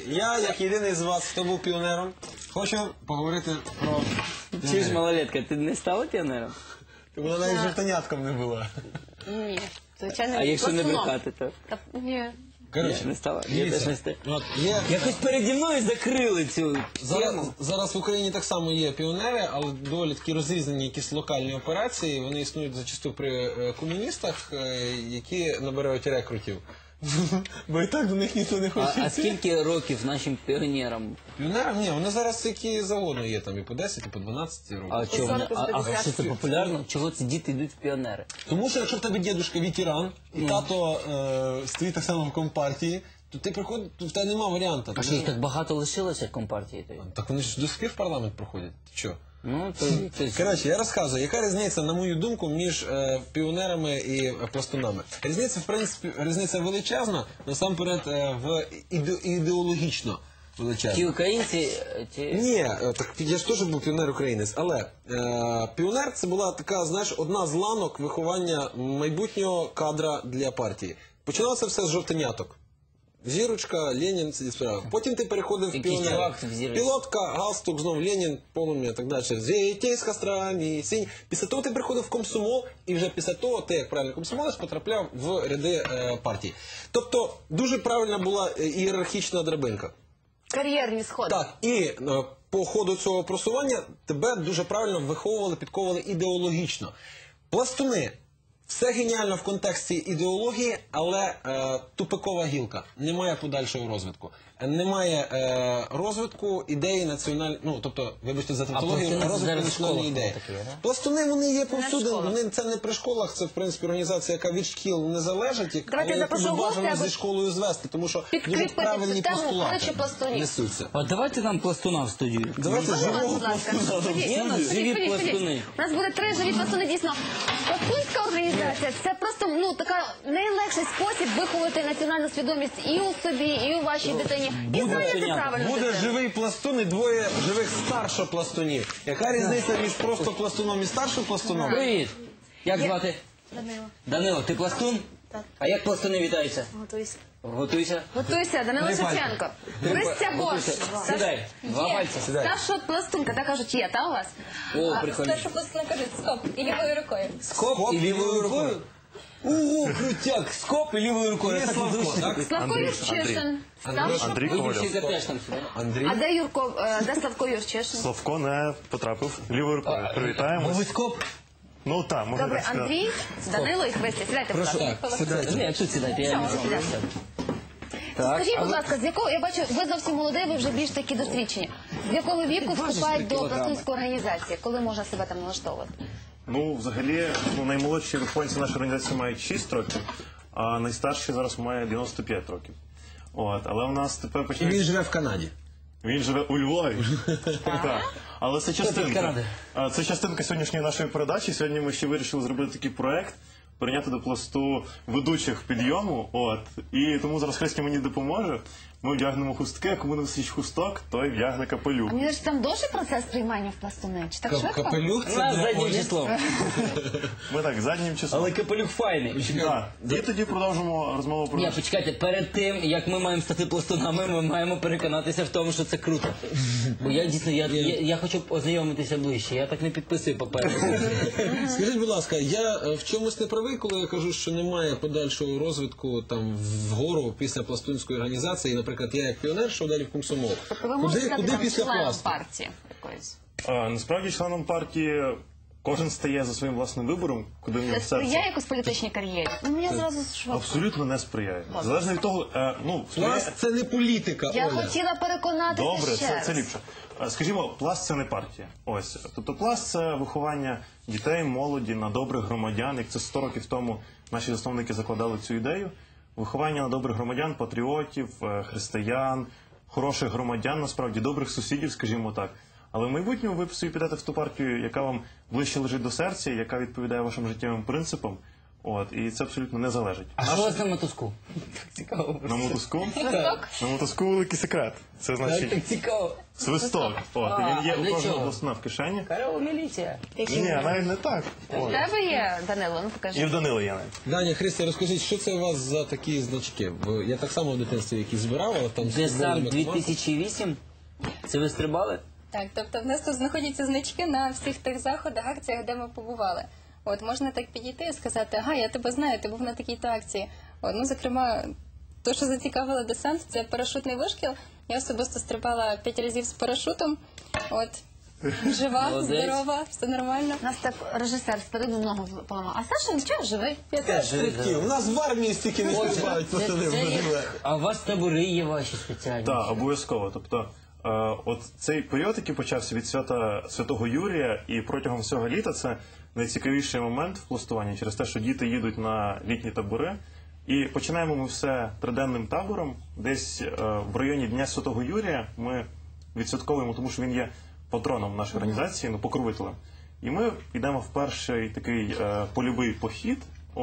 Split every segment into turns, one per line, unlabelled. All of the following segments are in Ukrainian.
я, як єдиний з вас, хто був піонером, хочу поговорити про...
Чи ж малолетка, ти не стала піонером?
Вона навіть жовтанятком не була.
Ні, звичайно,
А якщо не
пластуном.
брехати, то?
Ні.
Коротше,
Не стала? Я
дивіться,
теж не стала.
от є...
Якось переді мною закрили цю тему.
Зараз в Україні так само є піонери, але доволі такі розрізнені якісь локальні операції. Вони існують зачасту при комуністах, які набирають рекрутів. Бо і так до них ніхто не хоче.
А скільки років нашим піонерам?
Піонерам? Ні, вони зараз які завгодно є, там і по 10, і по 12 років.
А чого вони? А
50.
що це популярно? Чого ці діти йдуть в піонери?
Тому що якщо в тебе дідушка ветеран, і тато стоїть так само в компартії, то ти приходиш, то в тебе нема варіанту.
А що їх так багато лишилося компартії?
Так вони ж до сих пір в парламент проходять. Ти що?
Ну, то...
Коротше, я розказую, яка різниця, на мою думку, між піонерами і пластунами. Різниця, в принципі, величезна, насамперед ідеологічно величезна.
Ті українці, ті...
Ні, так я ж теж був піонер-українець, але піонер це була така, знаєш, одна з ланок виховання майбутнього кадра для партії. Починалося все з жовтеняток. Зірочка, Ленін, ці справи. Потім ти переходив в
Якийсь
піонер.
чувак в зірочці.
Пілотка, галстук, знов Ленін, полум'я, так далі. Звійтей з кострами, сінь. Після того ти приходив в комсомол, і вже після того ти, як правильний комсомолець, потрапляв в ряди партії. Тобто, дуже правильна була ієрархічна драбинка.
Кар'єрні сходи.
Так, і по ходу цього просування тебе дуже правильно виховували, підковували ідеологічно. Пластуни. Все геніально в контексті ідеології, але тупикова гілка. Немає подальшого розвитку. Немає розвитку ідеї національної, ну, тобто, вибачте за тавтологію,
пластуни
розвитку
зараз в
національної
школах
ідеї.
такі, да?
Пластуни, вони є повсюди,
школах.
вони це не при школах, це, в принципі, організація, яка від шкіл не залежить,
Давайте
але яку
запрошу
бажано
гостя,
зі школою звести, тому що дуже
підкріпити
правильні
цю тему,
постулати
коротше, пластунів.
несуться.
А давайте нам пластуна в студію.
Давайте живого
Будь ласка.
пластуна.
Є у нас живі пластуни.
У нас буде 3 живі пластуни, дійсно. Пластунська організація – це просто, ну, така найлегший спосіб виховати національну свідомість і у собі, і у вашій дитині. І зайняти правильно
Буде
дитину.
живий пластун і двоє живих старшопластунів. Яка різниця між просто пластуном і старшопластуном?
Привіт! Як звати?
Данило,
Данило, ти пластун?
Так.
А як пластуни вітаються?
готуйся.
Готуйся.
Готуйся, Данило
Три пальці.
Шевченко. Христя Бош.
Готуйся. Сідай. Два
Є.
пальці.
Сідай.
Старша пластунка, так кажуть, є, та у вас?
О, прикольно.
Старша пластуна кажуть скоп і лівою рукою.
Скоп і лівою рукою? Ого, крутяк! Скоп і лівою рукою.
Є
Я так
Славко,
дуже
так?
люблю.
Славко Юрчишин.
Андрій
Будемо
Ковальов.
всі теж там сюди.
Андрій?
А де де Славко Юрчишин?
Славко не потрапив лівою рукою. Привітаємо.
Ви скоп?
Ну так, можна
Добре,
так сказати.
Андрій, Данило і Христя. Сідайте, будь ласка.
Так, сідайте.
Ні, тут сідайте, я не
Все,
знаю.
сідайте.
Так,
Скажіть,
а
будь
ви-
ласка, з якого, я бачу, ви зовсім молодий, ви вже більш такі досвідчені. З якого віку вступають до
кілограми.
пластунської організації? Коли можна себе там налаштовувати?
Ну, взагалі, наймолодші вихованці нашої організації мають 6 років, а найстарший зараз має 95 років. От, але у нас тепер
І
починається...
він живе в Канаді.
Він живе у Львові. Так. Але це частинка.
Канади.
Це частинка сьогоднішньої нашої передачі. Сьогодні ми ще вирішили зробити такий проект, прийняти до пласту ведучих підйому. От. І тому зараз Христя мені допоможе. Ми вдягнемо хустки, а кому не висить хусток, той вдягне капелюх.
А мені ж там довший процес приймання в пластуни? Чи так швидко?
Капелюх
У
це
нас
для
заднім
Олі.
числом.
Ми так, заднім числом.
Але капелюх файний.
Так. І тоді продовжимо розмову про...
Ні, почекайте, перед тим, як ми маємо стати пластунами, ми маємо переконатися в тому, що це круто. Бо я дійсно, я хочу ознайомитися ближче, я так не підписую папери.
Скажіть, будь ласка, я в чомусь не правий, коли я кажу, що немає подальшого розвитку там вгору після пластунської організації, наприклад, я як піонер, що далі в комсомол.
Тобто ви можете стати
Куди
там
після
членом
пласту?
партії якоїсь?
Насправді, членом партії кожен стає за своїм власним вибором, куди в
Це
нього серце.
сприяє якось політичній кар'єрі? Ну, я зразу швидко.
Абсолютно не сприяє. Залежно від того, сприяє...
Пласт це не політика,
Я
Оля.
хотіла переконатися
Добре,
ще
це
раз.
ліпше. Скажімо, пласт це не партія. Ось. Тобто пласт це виховання дітей, молоді на добрих громадян, як це 100 років тому наші засновники закладали цю ідею. Виховання на добрих громадян, патріотів, християн, хороших громадян, насправді, добрих сусідів, скажімо так. Але в майбутньому ви собі підете в ту партію, яка вам ближче лежить до серця, яка відповідає вашим життєвим принципам. От, і це абсолютно не залежить.
А що у вас на мотузку? Так цікаво.
На мотузку? На мотузку великий секрет. Це значить
Так цікаво.
свисток. От, і він є
для
у кожного
чого?
пластуна в кишені.
Корова міліція.
Ні, навіть не так.
У
От.
тебе є, Данило, ну
І
покажи.
в Данила є навіть.
Даня, Христя, розкажіть, що це у вас за такі значки? Бо я так само в дитинстві які збирав, але там з
Це сам
футбольними командами.
2008? Це ви стрибали?
Так, тобто в нас тут знаходяться значки на всіх тих заходах, акціях, де ми побували. От можна так підійти і сказати, ага, я тебе знаю, ти був на такій-то акції. От, ну, зокрема, то, що зацікавило десант, це парашутний вишкіл. Я особисто стрибала 5 разів з парашутом. От, жива,
Молодець.
здорова, все нормально.
У нас так режисер спереду ногу поламав. А Саша нічого, живий.
Я теж.
Стрибки. У нас в армії стільки не стрибають пацани в Бразилії.
А у вас табори є ваші спеціальні?
Так, обов'язково. Тобто, от цей період, який почався від свята Святого Юрія, і протягом всього літа це найцікавіший момент в пластуванні через те, що діти їдуть на літні табори. І починаємо ми все триденним табором. Десь в районі Дня Святого Юрія ми відсвятковуємо, тому що він є патроном нашої організації, ну, покровителем. І ми йдемо в перший такий польовий похід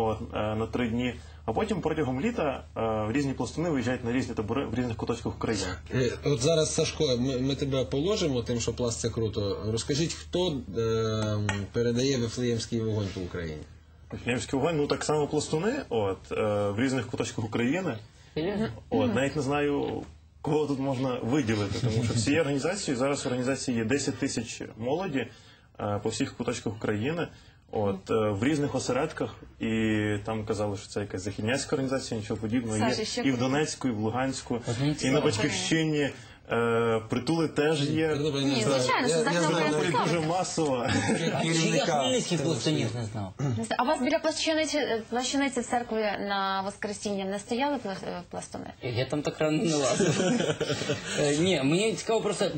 на 3 дні, а потім протягом літа різні пластуни виїжджають на різні табори в різних куточках України.
От зараз, Сашко, ми тебе положимо, тим, що пласт це круто. Розкажіть, хто передає Вифлеємський вогонь по Україні?
Вифлеємський вогонь, ну так само пластуни, в різних куточках України.
Серйозно?
Навіть не знаю, кого тут можна виділити, тому що всією організацією, зараз в організації є 10 тисяч молоді по всіх куточках України, в різних осередках, і там казали, що це якась західняцька організація, нічого подібного.
Саша,
Є
ще
і в Донецьку, і в Луганську,
Одним
і на Батьківщині. Притули теж є.
Ні, звичайно, що західна
Притули
Україна.
дуже масово.
Чи я хмельницьких пластунів не знав?
А у вас біля плащаниці в церкві на Воскресіння не стояли пластуни?
Я там так рано не лазив. Ні, мені цікаво просто,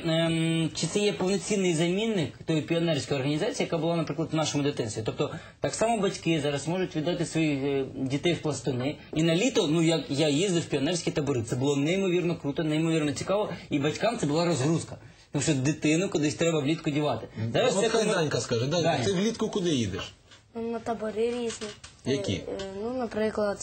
чи це є повноцінний замінник тої піонерської організації, яка була, наприклад, в нашому дитинстві. Тобто, так само батьки зараз можуть віддати своїх дітей в пластуни. І на літо, ну, як я їздив в піонерські табори, це було неймовірно круто, неймовірно цікаво, і батькам це була розгрузка. Тому що дитину кудись треба влітку дівати. Зараз
От
це
хай
коли-
Данька скаже. Данька,
Даня.
ти влітку куди їдеш?
На табори різні.
Які?
Ну, наприклад,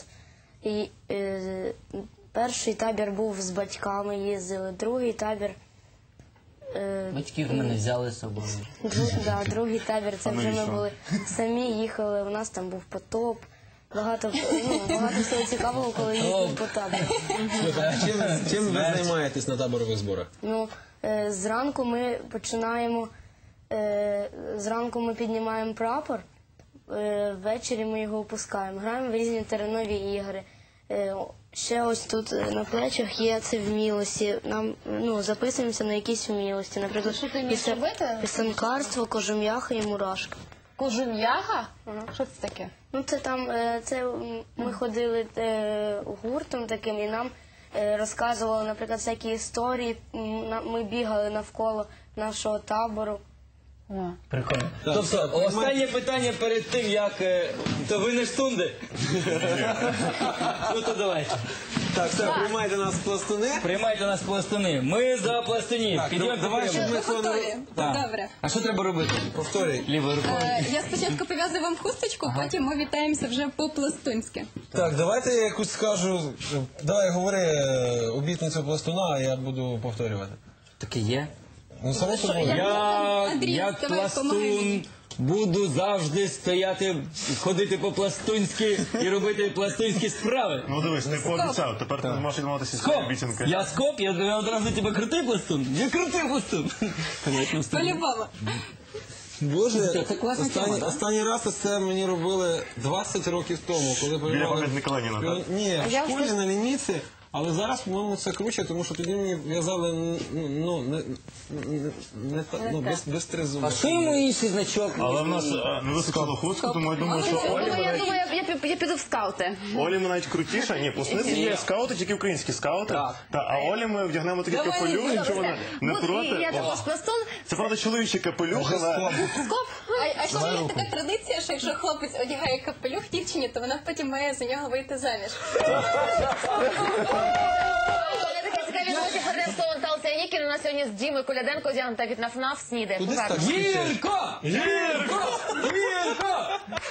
перший табір був з батьками, їздили, другий табір.
Батьків мене взяли з собою.
Другий табір, це вже ми були самі їхали, у нас там був потоп. Багато всього цікавого, коли їздили по табору.
Чим ви займаєтесь на таборових зборах?
Ну, зранку ми починаємо, зранку ми піднімаємо прапор, ввечері ми його опускаємо, граємо в різні теренові ігри. Ще ось тут на плечах є це вмілості. Нам записуємося на якісь вмілості. Наприклад,
Що ти вмієш робити?
писанкарство, кожум'яха і мурашка.
Кожум'яга? Що це таке?
Ну, ми ходили гуртом таким, і нам розказували, наприклад, всякі історії. Ми бігали навколо нашого табору.
Прикольно. Тобто, останнє питання перед тим, як... То ви не штунди? Ну то давайте.
Так, все, приймайте нас пластуни.
Приймайте нас пластуни. Ми за пластунів. Підйом,
давай, щоб ми цього
Готові?
Так.
Добре.
А що треба робити?
Повторюй.
Лівою рукою.
Я спочатку пов'язую вам хусточку, потім ми вітаємося вже по-пластунськи.
Так, давайте я якусь скажу. Давай говори обітницю пластуна, а я буду повторювати.
Таке є.
Ну, само собою.
Я,
Андрій,
як
давай,
пластун,
помагай.
буду завжди стояти, ходити по-пластунськи і робити пластунські справи.
Ну дивись, ти пообіцяв, тепер ти не можеш відмовитися
Скоп!
своєї обіцянки.
Я скоп, я одразу тебе крутий пластун. Я крутий пластун.
По-любому.
Боже,
Це класна тема, да?
останній раз це мені робили 20 років тому, коли
Біля
приймали...
пам'ятника Леніна, так?
Ні,
я
в школі на лінійці, але зараз, по-моєму, це круче, тому що тоді мені в'язали, без тризуба.
А що йому інший значок?
Але в нас не вистачало хустку, тому я думаю, що
Я думаю, я піду в скаути.
Олі ми навіть крутіша. Ні, пластуниці є скаути, тільки українські скаути.
Так.
А Олі ми вдягнемо такий
Давай,
капелюх, якщо вона не
Я
проти.
також пластун.
Це правда чоловічий капелюх, але
Скоп.
А ще є така традиція, що якщо хлопець одягає капелюх дівчині, то вона потім має за нього вийти заміж.
Я такі цікаві новості про слово Наталця Нікіна. У нас сьогодні з Дімою Коляденко зігнута від НАФ СНІДи.
Куди так?
Гірко! Гірко! Гірко!